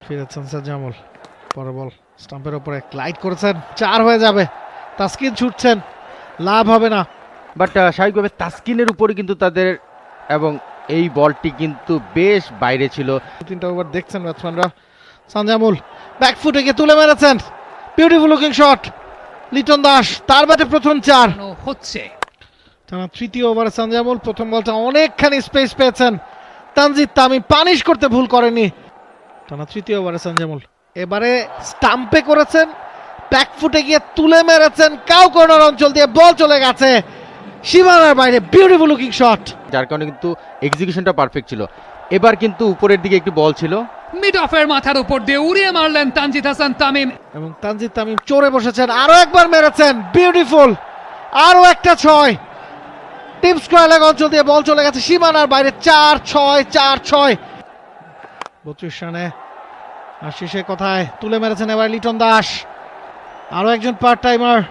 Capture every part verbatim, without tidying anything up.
ফিরেছেন সাজ্জামুল, পরে বল স্টাম্পের উপরে গ্লাইড করেছেন, চার হয়ে যাবে। তাসকিন ছুটছেন, লাভ হবে না। বাট স্বাভাবিকভাবে তাসকিনের উপরে কিন্তু তাদের, এবং এই বলটি কিন্তু বেশ বাইরে ছিল। তিনটা ওভার দেখছেন ব্যাটসম্যানরা। সাজ্জামুল ব্যাকফুটে গিয়ে তুলে মেরেছেন, beautiful looking shot. Liton Das, তার ব্যাটে প্রথম চার হচ্ছে। টানা তৃতীয় ওভারে সাজ্জামুল প্রথম বলটা অনেকখানি স্পেস পেয়েছেন। তানজিদ তামিম পানিশ করতে ভুল করেনি। টানা তৃতীয় ওভারে সাজ্জামুল এবারে স্টাম্পে করেছেন, ব্যাকফুটে গিয়ে তুলে মেরেছেন, কাউ কর্নার অঞ্চল দিয়ে বল চলে গেছে সীমানার বাইরে, বিউটিফুল লুকিং শট। যার কারণে কিন্তু এক্সিকিউশনটা পারফেক্ট ছিল। এবার কিন্তু উপরের দিকে একটি বল ছিল, মিড অফের মাথার উপর দিয়ে উড়িয়ে মারলেন তানজিদ হাসান তামিম, এবং তানজিদ তামিম চড়ে বসেছেন, আরো একবার মেরেছেন, বিউটিফুল, আরো একটা ছয়। টিপ স্কয়ার লেগ অঞ্চল দিয়ে বল চলে গেছে সীমানার বাইরে, চার ছয় চার ছয়। বত্রিশ রানে আর শেষে কথায় তুলে মেরেছেন এবার লিটন দাস, আরো একজন পার্ট টাইমার।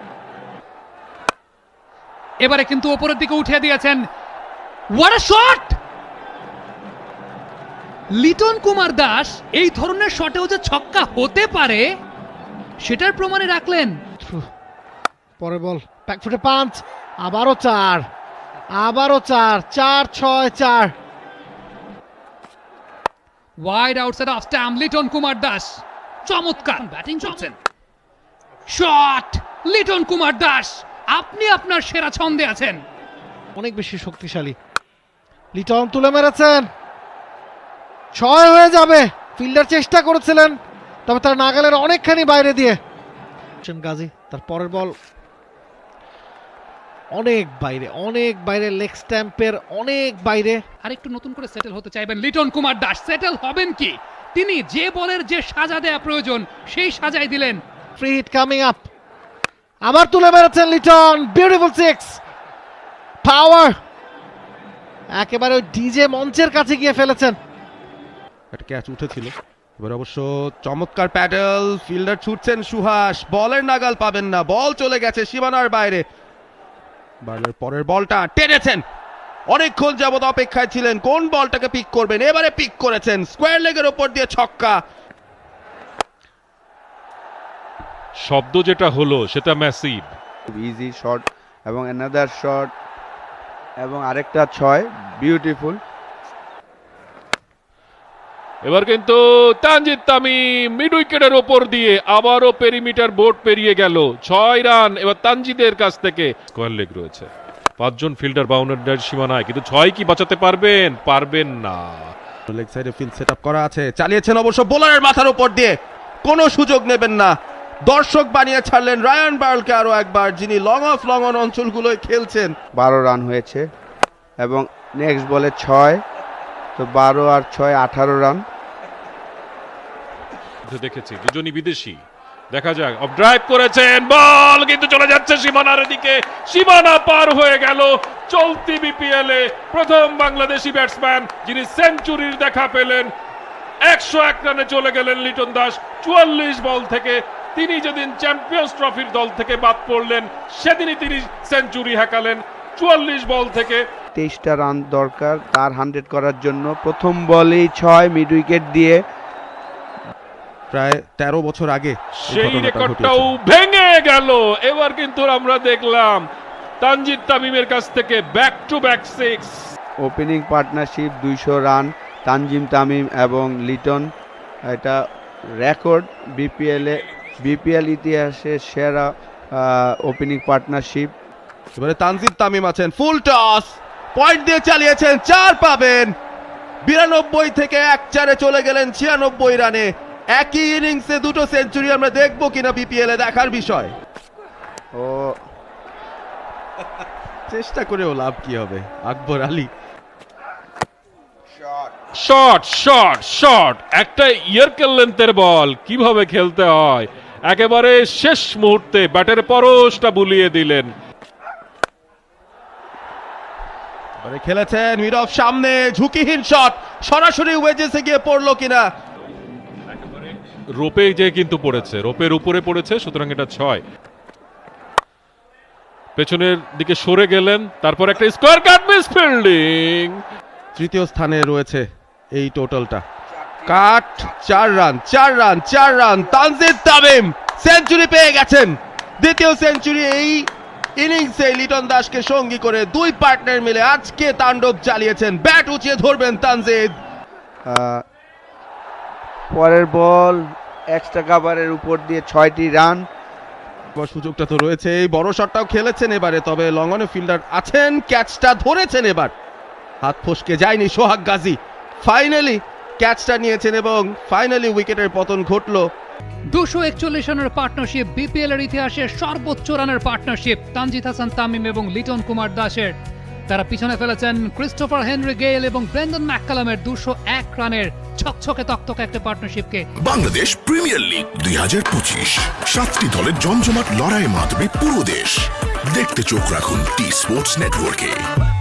এবারে কিন্তু উপরের দিকে উঠিয়ে দিয়েছেন। What a shot! Liton Kumar Das এই ধরনের শটেও যে ছক্কা হতে পারে সেটার প্রমাণে রাখলেন। পরে বল ব্যাকফুটে পাঁচ, আবারও চার, আবারও চার, চার ছয় চার। Wide outside off stump Liton Kumar Das চমৎকার ব্যাটিং করছেন। শট লিটন কুমার দাস, আপনি আপনার সেরা ছন্দে আছেন। অনেক বেশি শক্তিশালী। লিটন তুলে মেরেছেন, ছয় হয়ে যাবে। ফিল্ডার চেষ্টা করেছিলেন, তবে তার নাগালের অনেকখানি বাইরে দিয়ে। গাজী তার পরের বল অনেক বাইরে, অনেক বাইরে, লেগ স্ট্যাম্পের অনেক বাইরে। আর একটু নতুন করে সেটেল হতে চাইবেন লিটন কুমার দাস। সেটেল হবেন কি? তিনি যে বলের যে সাজা দেয়া প্রয়োজন সেই সাজাই দিলেন। ফ্রি হিট কামিং আপ, আবার তুলে মেরেছেন লিটন, বিউটিফুল সিক্স, পাওয়ার। একেবারে ওই ডিজে মঞ্চের কাছে গিয়ে ফেলেছেন। একটা ক্যাচ উঠেছিল, এবার অবশ্য চমৎকার প্যাডেল, ফিল্ডার ছুটছেন সুহাস, বলের নাগাল পাবেন না, বল চলে গেছে সীমানার বাইরে। বার্লার পরের বলটা টেনেছেন, অনেকক্ষণ যাবত অপেক্ষায় ছিলেন কোন বলটাকে পিক করবেন, এবারে পিক করেছেন, স্কোয়ার লেগের ওপর দিয়ে ছক্কা। শব্দ যেটা হলো সেটা ম্যাসিভ, ইজি শট এবং অ্যানাদার শট এবং আরেকটা ছয়, বিউটিফুল। এবার কিন্তু তানজিদ তামিম মিড উইকেটের ওপর দিয়ে আবারও পেরিমিটার বোর্ড পেরিয়ে গেল, ছয় রান এবার তানজিদের কাছ থেকে। স্কোয়ার লেগ রয়েছে, পাঁচজন ফিল্ডার বাউন্ডারির সীমানায়, কিন্তু ছয় কি বাঁচাতে পারবেন? পারবেন না। লেগ সাইডে ফিল্ড সেট আপ করা আছে, চালিয়েছেন অবশ্য বোলারের মাথার উপর দিয়ে, কোনো সুযোগ নেবেন না, দর্শক বানিয়ে ছাড়লেন রায়ান বার্লকে আরো একবার, যিনি লং অফ লং অন অঞ্চলগুলোয় খেলছেন। বারো রান হয়েছে এবং নেক্সট বলে ছয়, তো বারো আর ছয় আঠারো রান। দেখেছি দুজনই বিদেশি, দেখা যাক। অফ ড্রাইভ করেছেন, বল কিন্তু চলে যাচ্ছে সীমানার দিকে, সীমানা পার হয়ে গেল। চলতি বিপিএল এ প্রথম বাংলাদেশি ব্যাটসম্যান যিনি সেঞ্চুরির দেখা পেলেন। একশো এক রানে চলে গেলেন লিটন দাস। চুয়াল্লিশ বল থেকে তিনি যেদিন চ্যাম্পিয়ন্স ট্রফির দল থেকে বাদ পড়লেন সেদিনই তিনি সেঞ্চুরি হাঁকালেন চুয়াল্লিশ বল থেকে। তেইশটা রান দরকার তার হান্ড্রেড করার জন্য। প্রথম বলেই ছয়, মিড উইকেট দিয়ে। প্রায় তেরো বছর আগে সেই রেকর্ডটাও ভেঙে গেল। এবার কিন্তু আমরা দেখলাম তানজিদ তামিমের কাছ থেকে back to back six. Opening partnership দুইশো রান, তানজিম তামিম এবং লিটন, এটা রেকর্ড বিপিএল এ, বিপিএল ইতিহাসে সেরা ওপেনিং পার্টনারশিপ। এবারে তানজিদ তামিম আছেন, ফুল টস, পয়েন্ট দিয়ে চালিয়েছেন, চার পাবেন। বিরানব্বই থেকে এক চারে চলে গেলেন ছিয়ানব্বই রানে। একই ইনিংসে দুটো সেঞ্চুরি আমরা দেখবো কিনা বিপিএল এ দেখার বিষয়। ও চেষ্টা করেও লাভ কি হবে, Akbar Ali. Shot shot shot, একটা ইয়ারকেল লেন্থের বল, কিভাবে খেলতে হয় একেবারে শেষ মুহূর্তে ব্যাটের পরশটা বুলিয়ে দিলেন। খেলেছেন মিড অফ, সামনে ঝুঁকিহীন শট, সরাসরি ওয়েজেসে গিয়ে পড়লো কিনা। রোপে যে কিন্তু পড়েছে, রোপের উপরে পড়েছে, সুতরাং এটা ছয়। পেছনের দিকে সরে গেলেন, তারপর একটা স্কোয়ার কাট, মিস ফিল্ডিং। তৃতীয় স্থানে রয়েছে এই টোটালটা। কাট, চার রান চার রান চার রান তানজিদ তামিম সেঞ্চুরি পেয়ে গেছেন। দ্বিতীয় সেঞ্চুরি এই ইনিংসে লিটন দাসকে সঙ্গী করে দুই পার্টনার মিলে আজকে তাণ্ডব চালিয়েছেন। ব্যাট উঁচিয়ে ধরবেন তানজিদ। আহ, পরের বল এক্সট্রা কাভারের উপর দিয়ে ছয়টি রান। এবার সুযোগটা তো রয়েছে, এই বড় শটটাও খেলেছেন এবারে, তবে লঙ্গনে ফিল্ডার আছেন, ক্যাচটা ধরেছেন এবার, হাত ফসকে যায়নি সোহাগ গাজী, ফাইনালি ক্যাচটা নিয়েছেন এবং ফাইনালি উইকেটের পতন ঘটলো। দুশো একচল্লিশ রানের পার্টনারশিপ, বিপিএল এর ইতিহাসে সর্বোচ্চ রানের পার্টনারশিপ তানজিদ হাসান তামিম এবং লিটন কুমার দাসের। তারা পিছনে ফেলেছেন ক্রিস্টোফার হেনরি গেইল এবং ব্রেন্ডন ম্যাককালামের দুশো এক রানের ছকছকে তকতকে একটা পার্টনারশিপকে। বাংলাদেশ প্রিমিয়ার লিগ দুই হাজার পঁচিশ, সাতটি দলের জমজমাট লড়াইয়ে মাতবে পুরো দেশ। দেখতে চোখ রাখুন টি স্পোর্টস নেটওয়ার্কে।